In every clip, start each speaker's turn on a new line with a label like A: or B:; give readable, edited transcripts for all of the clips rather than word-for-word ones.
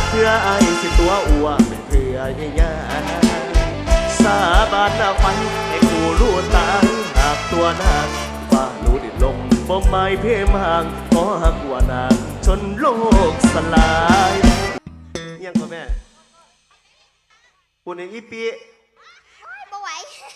A: เพื่อไอ้สิตัวอ้วเป็นเพื่อใหญ่สาบานหน้าไฟให้กูรู้ตายหากตัวนางว่ารู้ดินลมบ่ไม่เพ่มห่างขอหักว่านางจนโลกสลายยังพ่อแม่ปุ่นในอีปี
B: บ่ไหว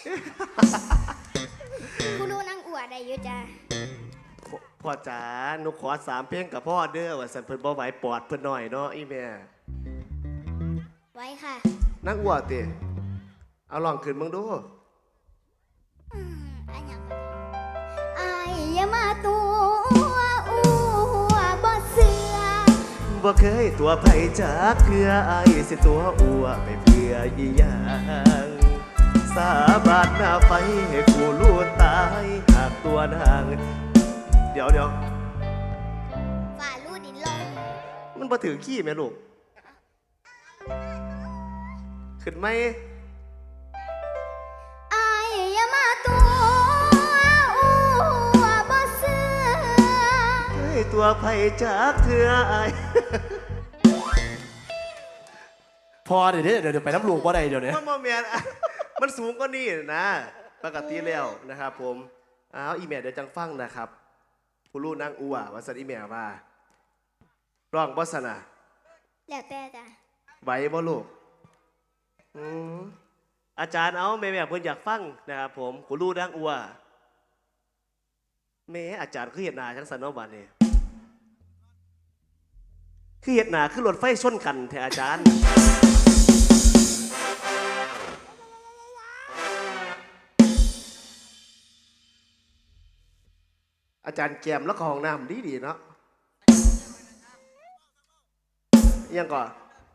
B: กูรู้นั่งอวดได้อยู่จ้า
A: พ่อจ๋าหนูขอ3 เพลงกับพ่อเด้อว่าสันเพิ่นบ่ไหวปอดเพิ่นหน่อยเนาะอีแม่
B: ไว้ค่ะ
A: นั่งอวดติเอาลองขึ้นมึงดู
B: อันยังไอ้อย่ามาตัวอ้วบ่เสือ
A: บ่เคยตัวไผจากเพื่อไอ้สิตัวอ้วไปเพื่ออีหยังสาบานหน้าไฟให้กูรู้ตายหากตัวนางเดี๋ยว
B: ฝ่าลู่ดินลง
A: มันบ่ถือขี้แม่ลูกขึ้นไหม
B: ไอ้อย่ามาตัวอ้วบ่เสือ
A: เคยตัวไผจากเธอไอ้
C: พอเดี๋ยวไปน้ำลูกว่าใดเดี๋ยวนี้
A: มันบ่แม่นมันสูงกว่านี้นะปกติแล้วนะครับผมอีเมลเดี๋ยวจังฟังนะครับผู้รู้นางอัวว่าสันอีเมลว่าร้องบ่สนะ
B: แล้วแต่จ้ะ
A: ไหวบ่ลูกอาจารย์เอาแม่เพิ่นอยากฟังนะครับผมผู้รู้นางอัวแม่อาจารย์คือเฮ็ดหน้าจังซั่นเนาะบัดนี้คือเฮ็ดหน้าคือรถไฟชนกันแท้อาจารย์อาจารย์แกมแล้วก็ห้องน้ำดีเนาะยังก่อน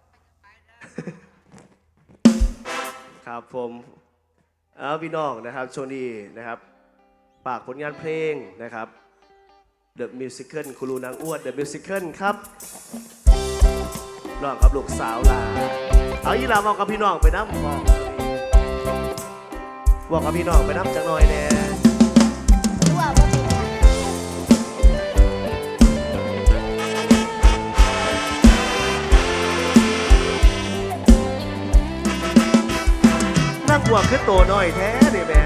A: ครับผมพี่น้องนะครับช่วงนี้นะครับฝากผลงานเพลงนะครับ The Musical ครูนางอ้วน The Musical ครับร้องกับลูกสาวลาเอาอีลาบอกกับพี่น้องไปน้ำบอกกับพี่น้องไปน้ำจังหน่อยแน่นั่งบวกขึ้นโตหน่อยแท้ดิแม่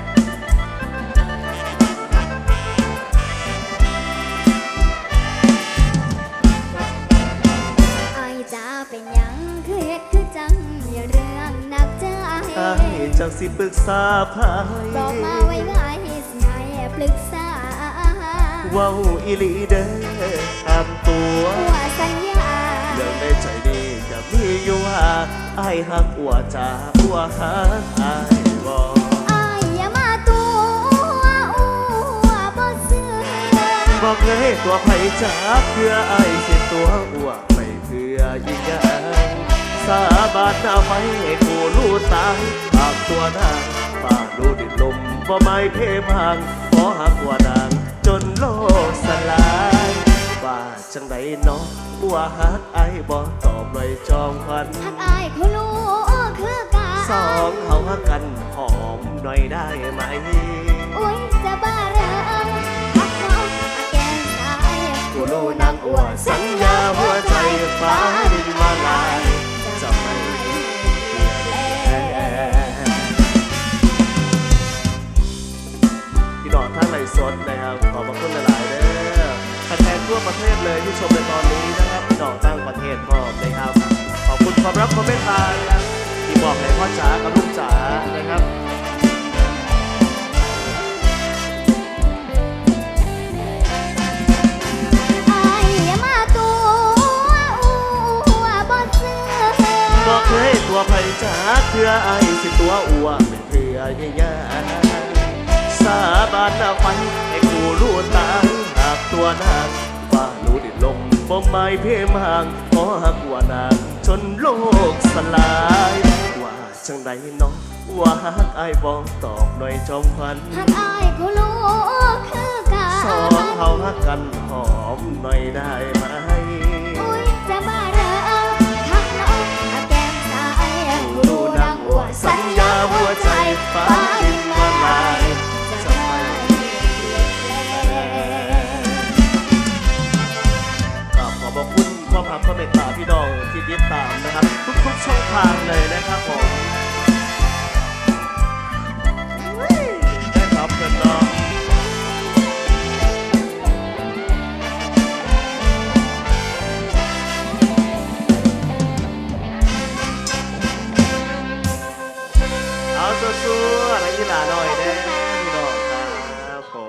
B: ไอ้จะเป็นยังคือเฮ็ดคือจังอย่าเรื่องหนักใจ
A: ไอ้จังสิปรึกษาพาย
B: บอกมาไว้ง่ายสิให้ปรึกษา
A: ว้าวอีลีเด้อตามตัว
B: ว่าสัญญา
A: เรื่องในใจนี้จะมีอยู่ว่าไอ้หักอัวจ้าอัวหักไอ้บอก
B: ไอ้อย่ามาตัวอ้วบ่เสือ
A: บอกเลยตัวไผ่จ้าเพื่อไอ้สิตัวอัวไม่เพื่อยิ่งใหญ่สาบานหน้าไฟให้กูรู้ตายหากตัวนางป่ารู้ดินลมบ่ไม่เพ่มห่างขอหักว่านางจนโลกสลายว่าจังใดเนาะว่าหักไอ้บ่ตอบเลยจองพัน
B: หักไอ้เขารู้คือกัน
A: สองเขาหักกันหอมหน่อยได้ไหม
B: อุ้ยจะบ้าเรื่องหักเขาแก้มซ้าย
A: กูรู้นางอัวสัญญาหัวใจฟ้าดินมาลายจะไม่พี่น้องท่านไหลสดนะครับขอบพระคุณหลายๆเด้อแฟนๆทั่วประเทศเลยที่ชมในตอนนี้นะครับพี่น้องตั้งประเทศพร้อมนะครับขอบคุณความรักความเมตตานะครับที่บอกให้พ่อจ๋ากับลูกจ๋านะครับบอกเคยตัวไผ่จ๋าเพื่อไอ้สิตัวอัวเป็นเพื่อใหญ่สาบานหน้าไฟให้กูรู้ตายหากตัวนางว่ารู้ดินลมบ่ไม่เพ่มห่างขอหักว่านางจนโลกสลายว่าจังใดน้องว่าหักไอ้บอกตอบหน่อยจอมพัน
B: หักไอ้กูรู้คือกัน
A: สองเขาหักกันหอมหน่อยได้ไหม
B: อุ้ยจะบ้าเรื่องหักน้องแก้มซ้ายกูรู้นางอัวสัญญาหัวใจฟ้าดินละลาย
A: ขอบคุณความรักความเมตตาพี่น้องที่ติดตามนะครับ ทุกๆช่องทางเลยนะครับผม